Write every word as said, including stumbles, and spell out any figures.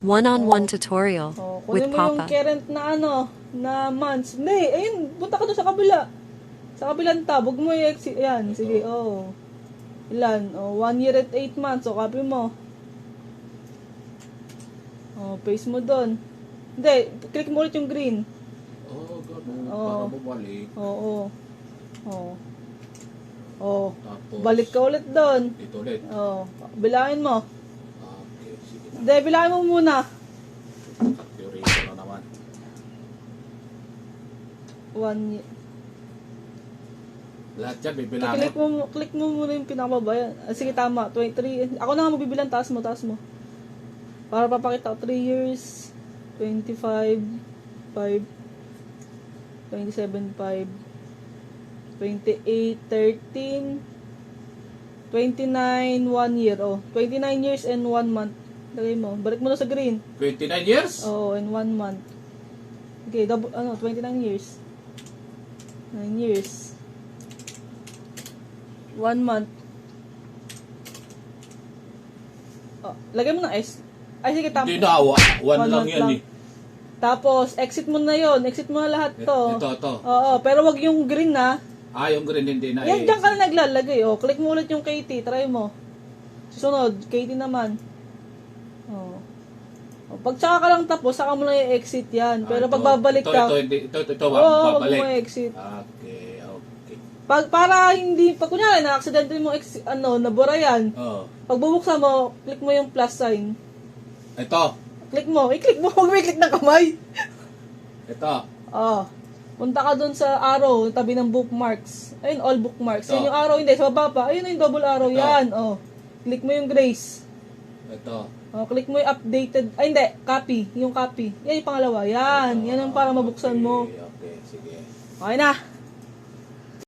One-on-one tutorial Oh, with kunin mo yung Papa. current na ano, na months. Hindi, ayun, punta ka doon sa kabila. Sa kabilang tab, huwag mo i-exit. Yan, sige, oh. Ilan? Oh, one year at eight months. O, copy mo. Oh, paste mo doon. Hindi, click mo ulit yung green. Oh, ganun. Oo. Para bumalik. Oo. Oh. Oh. Tapos, Balik ka ulit doon. Ito ulit. Oh, bilangin mo. Okay, sige na. Hindi, bilangin mo muna. Calculator na naman. One year. Lahat yan, bibilangin. Click mo, click mo muna yung pinakababa. Yan. Ah, sige, tama. twenty-three. Ako na nga magbibilang. Taas mo, taas mo. Para papakita ko. three years. twenty-five. five. twenty-seven. five. twenty-eight. thirteen. twenty-nine. one year. Oh, twenty-nine years and one month. Lagay mo. Balik mo na sa green. twenty-nine years? Oo, in one month. Okay, double, ano, twenty-nine years. nine years. one month. Oh, lagay mo ng S. Ay, sige, tama. Hindi na, wa- one, One lang month yan lang. eh. Tapos, exit mo na yon, exit mo na lahat to. Ito, ito. Oo, pero wag yung green na. Ah, yung green hindi na Yan, eh. dyan ka na naglalagay. Oh, click mo ulit yung K T, try mo. Susunod, K T naman. Oh. Oh, pag tsaka ka lang tapos, saka mo lang i-exit yan. Ah, Pero ito, pag babalik ito, ka, Ito, ito, ito, ito, ito, oo, wag babalik. mo i-exit. Okay, okay. Pag, para hindi, pag kunyari, na-accident mo, ex, ano, nabura yan. Oh. Pag bubuksan mo, click mo yung plus sign. Ito, Click mo, i-click mo, huwag mo i-click ng kamay. ito. Oh. Punta ka dun sa arrow, tabi ng bookmarks. Ayun, all bookmarks. Ito. Yan yung arrow, hindi, sa baba pa. Ayun yung double arrow, Ito. yan. Oh. Click mo yung grace. Ito. Oh, click mo yung updated, ay hindi, copy, yung copy. Yan yung pangalawa, yan. Yan ang para mabuksan mo. Okay, okay, sige. Okay na.